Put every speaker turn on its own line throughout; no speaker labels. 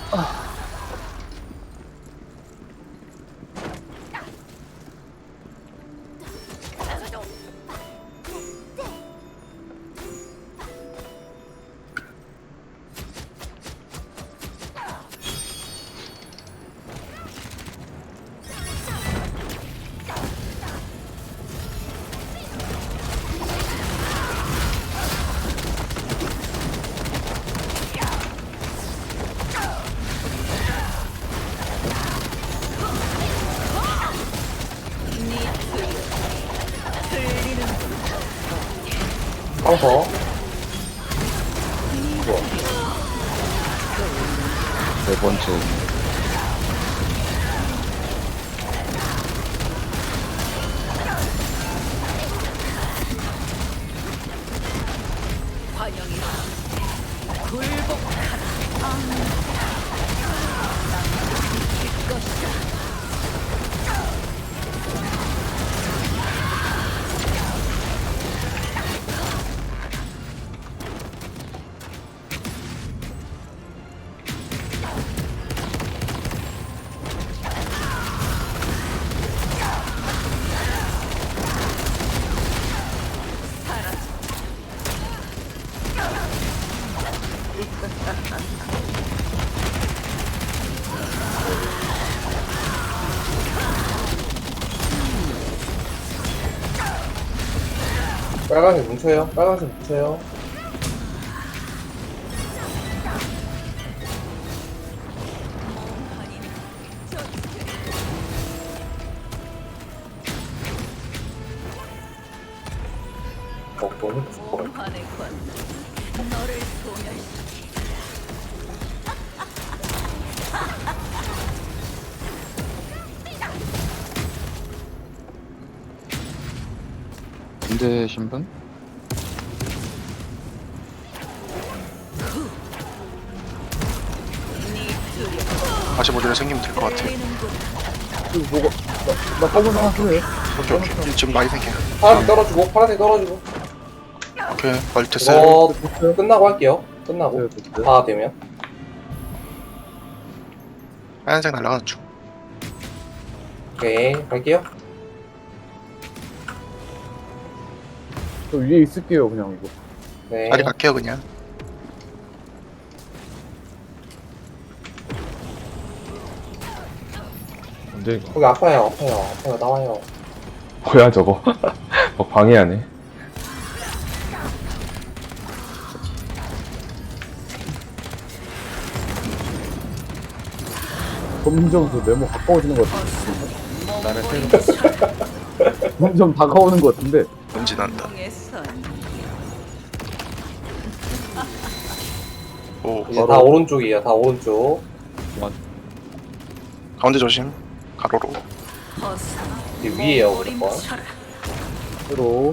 카운터.
네 번째.
빨간색 뭉쳐요. 빨간색 뭉쳐요. 너무 무서워.
군대 신분?
다시 모델이 생기면 될 것 같아.
뭐가 나 빨간 하나 쓰네.
오케이. 지금 많이 생겨.
파란색 떨어지고, 파란색 떨어지고.
오케이. 빨리 됐어요.
이거 끝나고 할게요. 끝나고. 다 되면.
하얀색 날아가는 중.
오케이, 갈게요.
저 위에 있을게요 그냥 이거.
네.
빨리 갈게요 그냥.
근데
거기 아파요. 나와요.
뭐야 저거? 방해하네.
점점 그 네모 가까워지는 것 같은데.
나는 새로
점점 다가오는 것 같은데.
뭔지 난다. 오.
이제 다 오른쪽이에요. 다 오른쪽.
가운데 조심. 가로로.
이제 위에요, 무조건.
새로.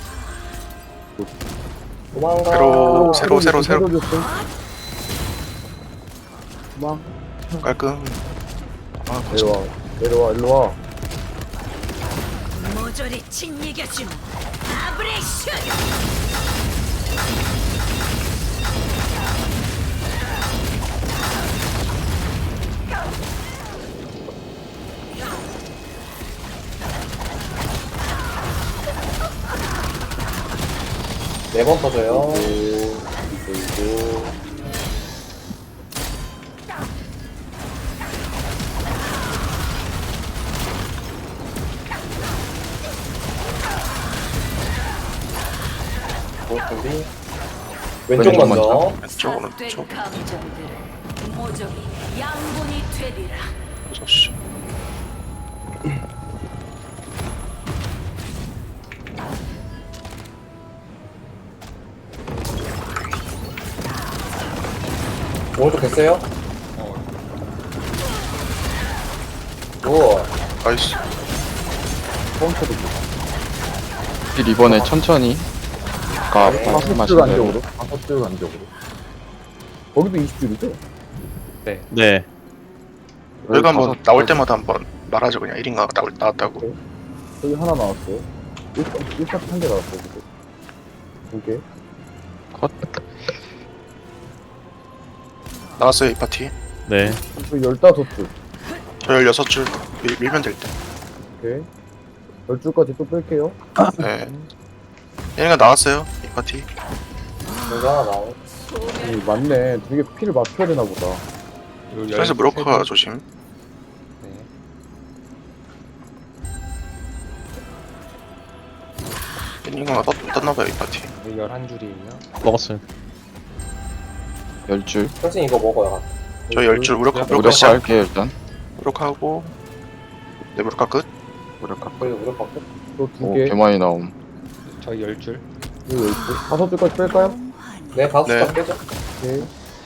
도망가.
새로. 새로.
도망.
깔끔. 아,
내려와 일로 와.
모조리 짓이겨주마. 아브레이션.
네 번 터져요.
그리고
준비. 왼쪽 먼저.
왼쪽 오른쪽.
감정들은 모조리 양분이 되리라.
조심.
오른쪽 됐어요? 오.
나이스.
카운터도
이번에 천천히. 아까
네.
말씀하신
파스트
대로.
간격으로. 파스트 간격으로. 거기도 20줄이죠?
네.
여기가 한번
다섯
나올
가지.
때마다 한번 말하죠 그냥 1인가 나왔다고.
저기 하나 나왔어요. 1차 한개 나왔어요. 그거. 두 개.
컷.
나왔어요 이 파티.
네.
저 15줄.
저 16줄 밀면 될 때.
오케이. 10줄까지 또 뺄게요.
네. 얘네가 나왔어요. 이 파티.
여기가 하나 나오.
맞네. 되게 피를 맞춰야 되나 보다.
그래서 무력화 조심. 얘네가 떴나봐요 이 파티.
11줄이에요.
먹었어요.
10줄.
사실 이거 먹어요.
저 10줄 무력화
무력화
시작.
할게요, 일단.
무력화하고 네 무력화 끝.
무력화.
거기 우리 밖에.
또 두
오,
개.
개많이 나옴.
저희 10줄.
이거 10줄. 5줄까지 뺄까요?
네, 가수
네.
다 깨져.
오케이.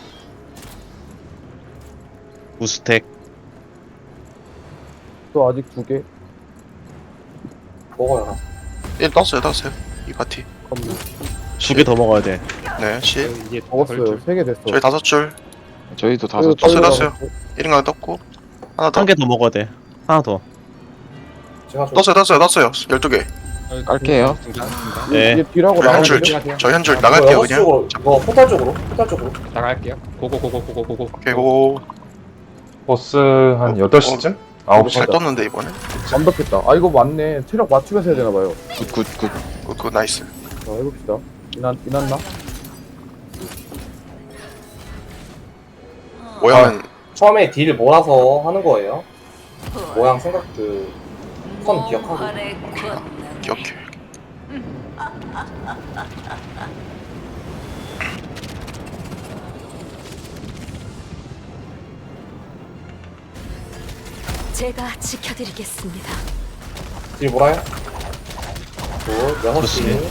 우스텍.
또 아직 두 개.
먹어요. 가수.
얘 떴어요. 이 파티.
컴퓨.
2개 더 먹어야 돼.
네, 10.
저희 이제
먹었어요.
10줄.
3개 됐어.
저희 5줄.
저희도
그리고
5줄.
떴어요. 1인가 떴고 하나 더.
1개 더 먹어야 돼. 하나 더.
제가 좀
떴어요. 12개.
깔게요.
네.
이제 뒤라고
저희 한 줄.
나가는데?
저희 한 줄
이거
나갈게요
6시
그냥.
쪽으로, 이거 포탈 쪽으로, 포탈 쪽으로.
나갈게요. 고고고고고고고.
오케이 고.
보스 한 8시쯤?
잘
9시.
떴는데 이번에.
완벽했다. 아 이거 맞네. 체력 맞추면서 해야 되나봐요.
굿.
그 나이스.
자 해봅시다. 이났나?
모양은
처음에 딜 몰아서 하는 거예요. 모양 생각 선 기억하고.
몸활의 권능.
기억해.
제가 지켜드리겠습니다.
딜 몰아요. 굿, 6시.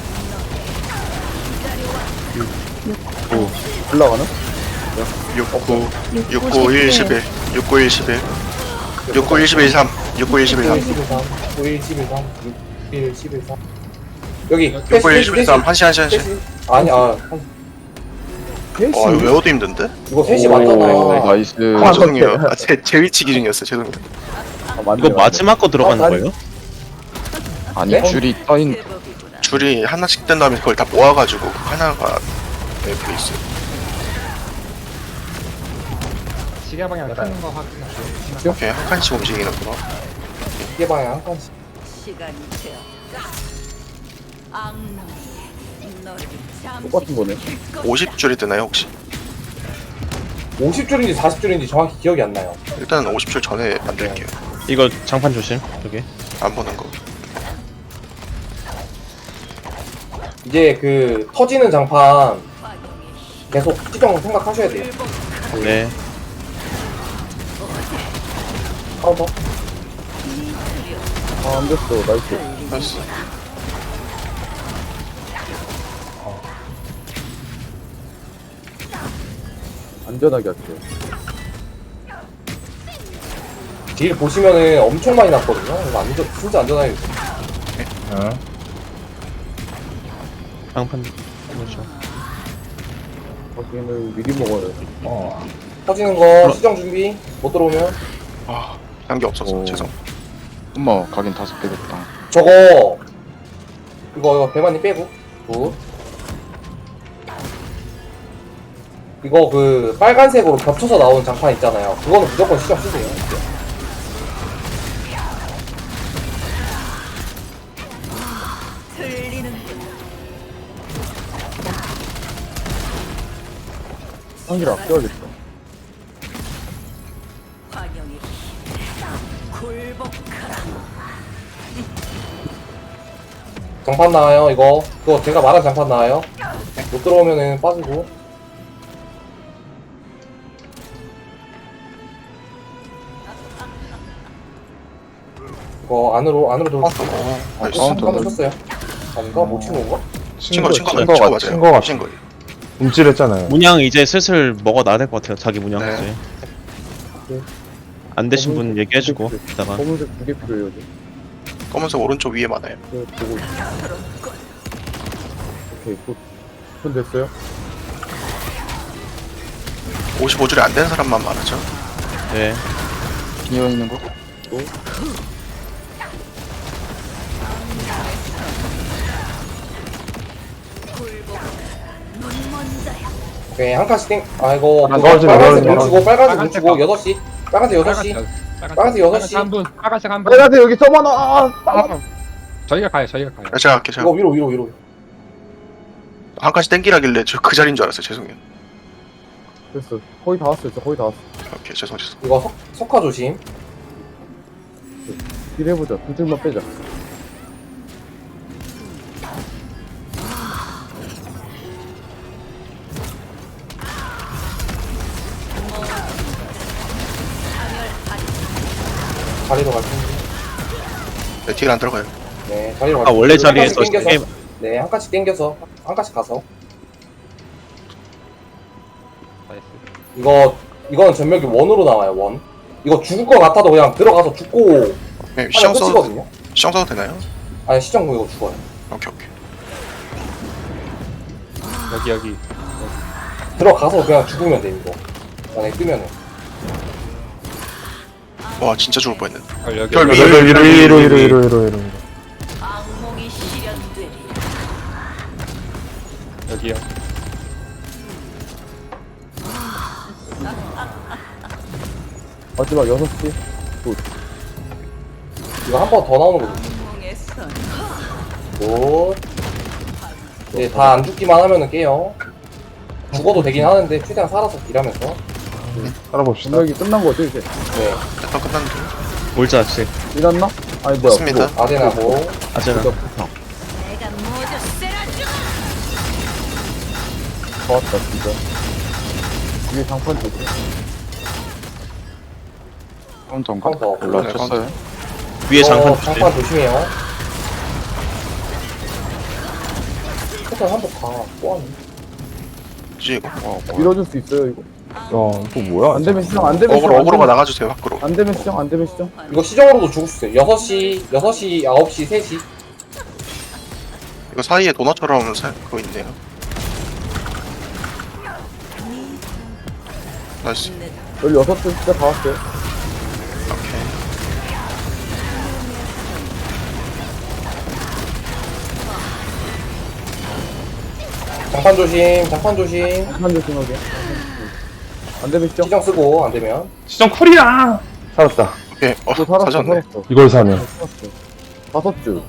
올라가는?
69 69 1 11 69 1 11 69 1 11 3 69 1 11 3
91, 11, 3, 61, 11, 3. 여기,
69 1 11 3 1시
아니,
케이시.
와 이거 외워도 힘든데?
이거 3시
오,
맞잖아요.
나이스.
아 죄송해요. 제 위치 기준이었어요. 죄송해요.
아, 맞네,
이거
맞네.
마지막 거 들어가는
아니.
거예요?
아니,
네?
줄이 떠있는.
제법이구나.
줄이 하나씩 된 다음에 그걸 다 모아가지고 하나가 돼 있어요.
시계 방향 끄는 거 확인하세요.
오케이 한 칸씩 움직이는구나.
이게 방향 한 칸씩.
시간이 되었다. 악놈이 너를
똑같은 거네.
50줄이 뜨나요 혹시?
50줄인지 40줄인지 정확히 기억이 안 나요.
일단 50줄 전에 만들게요.
이거 장판 조심. 여기.
안 보는 거.
이제 터지는 장판 계속 시정 생각하셔야 돼요.
네.
카운터.
아, 안 됐어. 나이스.
나이스.
안전하게 할게요.
딜 보시면은 엄청 많이 났거든요. 이거 진짜 안전하게.
어. 장판. 그렇죠.
거기는 미리 먹어요.
터지는 거 시정 준비. 못 들어오면.
아 단계 없어서
오.
죄송.
엄마, 가긴 5개 됐다.
저거 이거 배만이 빼고. 굿. 이거 빨간색으로 겹쳐서 나오는 장판 있잖아요. 그거는 무조건 시정 쓰세요.
들리는구나.
한기를 아껴야겠다.
환영의 힘. 굴복하라.
장판 나와요. 그거 제가 말한 장판 나와요. 못 들어오면은 빠지고. 이거 안으로 들어오세요.
나이스.
한번 쳤어요. 아닌가? 못 치는 건가?
친거
같아.
맞아요.
친 거 같아.
친 거예요.
움찔했잖아요. 문양 이제 슬슬 먹어 놔야 될 것 같아요. 자기 문양
네.
이제.
네.
안 되신 분 얘기해주고
검은색.
이따가.
검은색 2개 필요해요. 지금.
검은색 오른쪽 위에 많아요.
네, 보고 있어. 오케이, 굿. 손 됐어요?
55줄이 안 된 사람만 말하죠.
네.
비어 있는 거?
굴복하라. 눈먼 자야.
오케이 한 칸씩 땡. 아 이거
아,
그거
넣어주네,
빨간색
넣어주네.
문 주고 빨간색 문
빨간색
주고
거.
6시. 빨간색 6시. 빨간색 여섯 시.
한 분. 빨간색 한 분.
빨간색 여기 써봐놔.
저희가 가요. 저희가 가요.
제가 할게요. 제가
이거 위로.
한 칸씩 땡기라길래 저 그 자리인 줄 알았어요. 죄송해요.
됐어. 거의 다 왔어요. 저 거의 다 왔어.
오케이 죄송.
이거 석화 조심.
딜 해보자. 두 줄만 빼자.
자리로 갈 텐데.
네, 딜안 들어가요.
네 자리로 갈
아 원래
텐데. 한 칸씩
자리에서
땡겨서.
게임
네 한 칸씩 땡겨서 한 칸씩 가서. 이거는 전멸기 원으로 나와요 원. 이거 죽을 것 같아도 그냥 들어가서 죽고
네,
하면
시정 써도
끝이거든요.
시정 써도 되나요?
아니 시정구 이거 죽어요.
오케이.
여기.
들어가서 그냥 죽으면 돼 이거. 만약에 뜨면은.
와 진짜 죽을 뻔했네.
여기.
별
위로.
악몽이 실현되리라.
여기요.
마지막 6시.
이거 한 번 더 나오는 거죠.
악몽의 선.
굿. 이제 다 안 죽기만 하면은 깨요. 죽어도 되긴 하는데 최대한 살아서 딜하면서.
살아봅시다.
분명히 끝난 거죠 이제.
네.
약간 끝났는데.
몰자 씨.
일났나? 아니 뭐야.
맞습니다.
아데나고.
아제나.
그거
내가 모두 쓰러져.
다 왔다 진짜. 이게 장판 되지.
카운터인가?
카운터.
올라쳤어요.
위에 장판 조심.
장판 조심해요. 일단 한번 가. 꼬았네.
뭐지 이거?
밀어줄 수 있어요 이거.
이거 뭐야?
안 되면 시정. 안 되면 시정.
어그로가 나가주세요 밖으로.
안 되면 시정. 안 되면 시정.
이거 시정으로도 죽을 수 있어요. 6시, 9시, 3시.
이거 사이에 도넛처럼 그거 있네요. 나이스.
16줄 진짜 다 왔어요.
오케이.
장판 조심, 장판 조심.
장판 조심하게. 안 되면 시정.
시정 쓰고, 안 되면.
시정 쿨이야. 살았다.
오케이.
또 살았어.
사졌네.
살았어.
이걸 사네.
살았어. 5줄.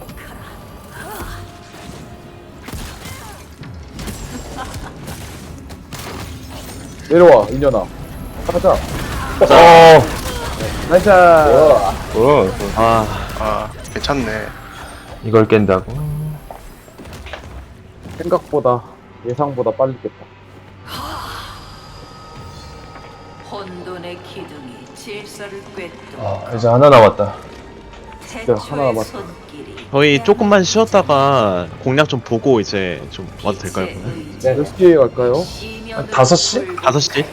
내려와 인연아. 가자. 나이스.
아 괜찮네.
이걸 깬다고?
생각보다 예상보다 빨리 깼다.
혼돈의 기둥이 질서를 꿰뚫어.
이제 하나 남았다.
하나
태초의
남았다.
손길이
저희 조금만 쉬었다가 공략 좀 보고 이제 좀 와도 될까요? 그러면?
네.
몇 시에 갈까요?
5시? 5시?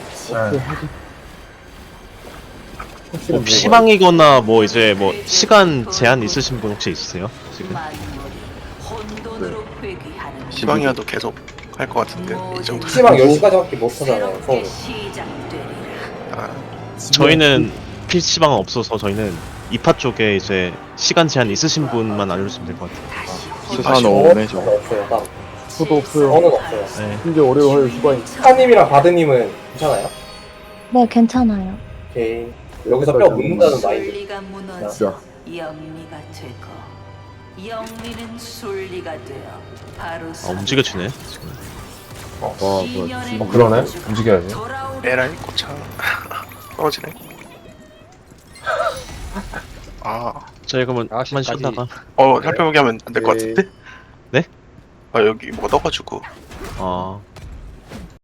혹시는
뭐 피방이거나 뭐 이제 뭐 시간 제한 있으신 분 혹시 있으세요? 지금?
혼돈으로 회귀하는
시방이라도 계속 할 것 같은데 이 정도.
PC방 10시까지밖에 못 하잖아요, 서울.
새롭게 시작되리라.
아,
저희는 PC방은 없어서 저희는 2파 쪽에 이제 시간 제한 있으신 분만 알려주시면 될 것 같아요.
수산 오네 저.
없어요, 따로.
저도 없어요.
저는 없어요.
네.
심지어 월요일 화요일 휴가인.
스카님이랑 바드님은 괜찮아요?
네, 괜찮아요.
오케이. 여기서 뼈 묻는다는 마인드.
순리가 무너져 영리가 되고 영리는 순리가 되어 바로
움직여주네 지금.
뭐야
그러네. 움직여야지.
에라이 고차 떨어지네. 아,
저희 그러면
아,
한번 쉬었다가
살펴보기 하면 안 될 것
네.
같은데?
네?
아 여기 뭐가 떠가지고.
어